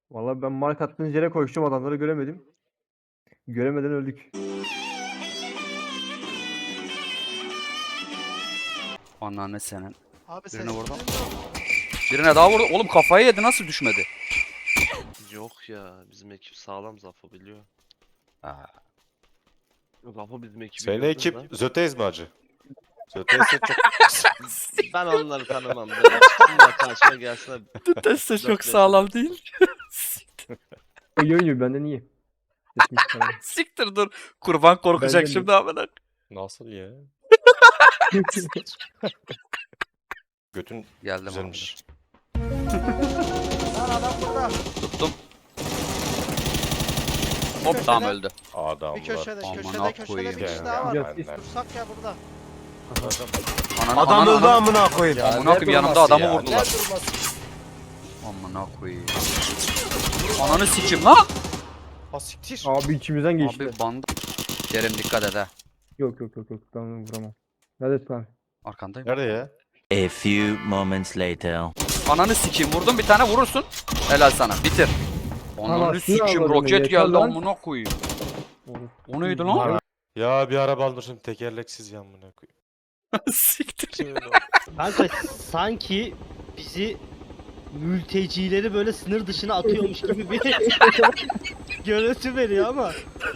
Vallahi ben mark attığınız yere koştum, adamları göremedim. Göremeden öldük. Anneanne senin. Abi Birine ses vurdum. duyuyor musun? Birine daha vurdu. Oğlum kafayı yedi, nasıl düşmedi? Yok ya, bizim ekip sağlam, Zafo biliyor. Aa, Zafo bizim ekibi Senin gördün ekip lan. Zötez mi acı? Zötez'e çok... Ben onları tanımam. Böyle çıksınlar karşıma gelsinler. teste çok Dört sağlam değil. İyi oynuyor, benden iyi. Sesim çıkarıyor. Siktir dur. Kurban korkacak Benden şimdi amına. Nasıl ya? Götün Geldim güzelmiş. Lan adam burada. abi. Tuttum. Hop tamam öldü. Adamlar. Bir köşede, Aman köşede bir koyayım kişi ya. daha var. Ya, Dursak ya burada. Ananı, ananı. amına koyayım. Amına koyayım, yanımda adamı vurdular. Amına koyayım. Ananı sikim lan. Ha siktir. Abi içimizden geçti. Abi banda. Kerim dikkat et ha. Yok ben onu vuramam. Neredesin abi? Arkandayım. Nerede ya? A few moments later. Ananı sikeyim, vurdum bir tane, vurursun. Helal sana, bitir. Ananı Anasını sikeyim, avradını, roket yeter geldi lan. amına koyayım. Olur. O neydi lan? Ya bir araba almışım tekerleksiz ya amına koyayım. Siktir. Kanka sanki bizi mültecileri böyle sınır dışına atıyormuş gibi bir görüntü veriyor ama.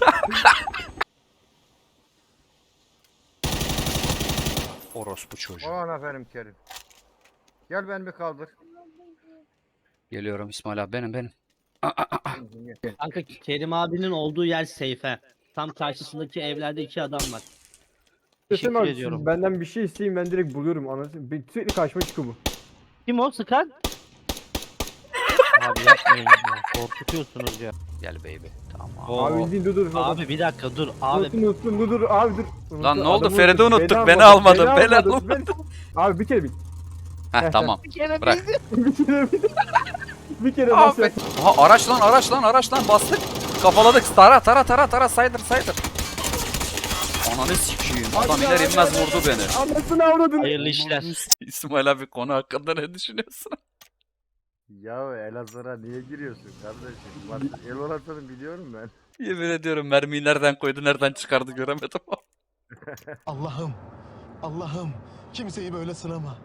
Orospu çocuğu. Aman aferin Kerim. Gel beni bir kaldır. Geliyorum İsmail abi, benim. Kanka Kerim abinin olduğu yer safe. Tam karşısındaki evlerde 2 adam var. Sesim Teşekkür abi, ediyorum. siz benden bir şey isteyin, ben direkt buluyorum anasını. Sürekli karşıma çıkıyor bu. Kim o sıkan? Abi yapmayın ya. Korkutuyorsunuz ya. Gel baby. Tamam. Abi izleyin, dur. Abi bir dakika dur. Abi Unuttum, dur abi dur. Lan Unuttum, ne oldu? adamı Feride unuttum. unuttuk, beni almadın, beni almadın. Abi bir kere bil. Heh tamam. Bırak. Bir kere Abi. bas. Aha, araç lan bastık. Kafaladık. Tara saydır. Ananı sikeyim. Adam iner inmez vurdu beni. Anasını avradın. hayırlı işler. İsmail abi, konu hakkında ne düşünüyorsun? Ya Elazığ'a niye giriyorsun kardeşim? Bak el orasını biliyorum ben. Yemin ediyorum, mermiyi nereden koydu, nereden çıkardı göremedim. Allah'ım, Allah'ım kimseyi böyle sınama.